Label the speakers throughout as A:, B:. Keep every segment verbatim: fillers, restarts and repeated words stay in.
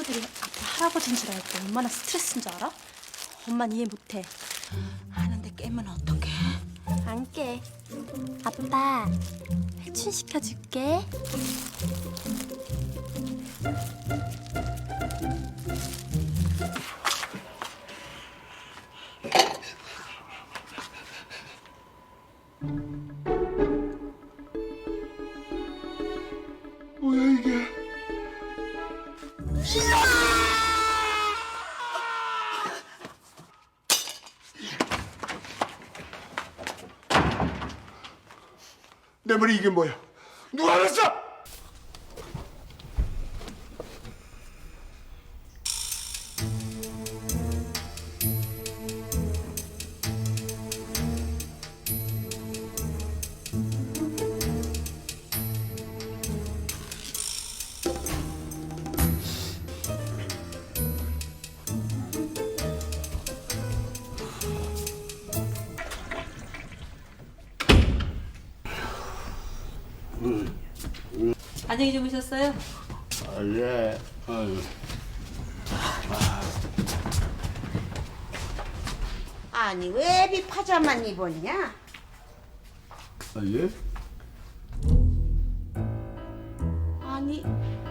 A: 친구들이 아빠 할아버지인 줄 알고 얼마나 스트레스인 줄 알아? 엄만 이해 못해.
B: 하는데 깨면 어떡해?
A: 안 깨. 아빠 회춘 시켜줄게.
C: 뭐야 이게? 내 머리 이게 뭐야? 누가 알았어?
D: 안녕히 주무셨어요?
C: 아, 예. 아유.
B: 아니 왜 애비 파자만 입었냐?
C: 아, 예?
B: 아니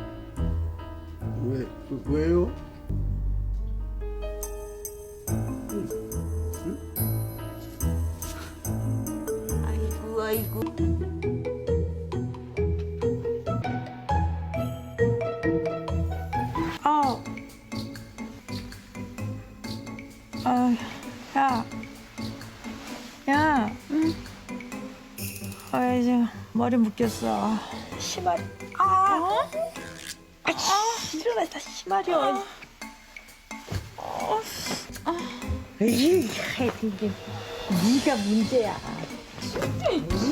C: 왜, 왜요?
B: 아이고 아이고
E: 아, 아, 야, 야, 응? 아, 이제 머리 묶였어. 심하리. 아, 아, 일어났다, 심하리. 아,
F: 에이, 하여튼 이게 네가 문제야.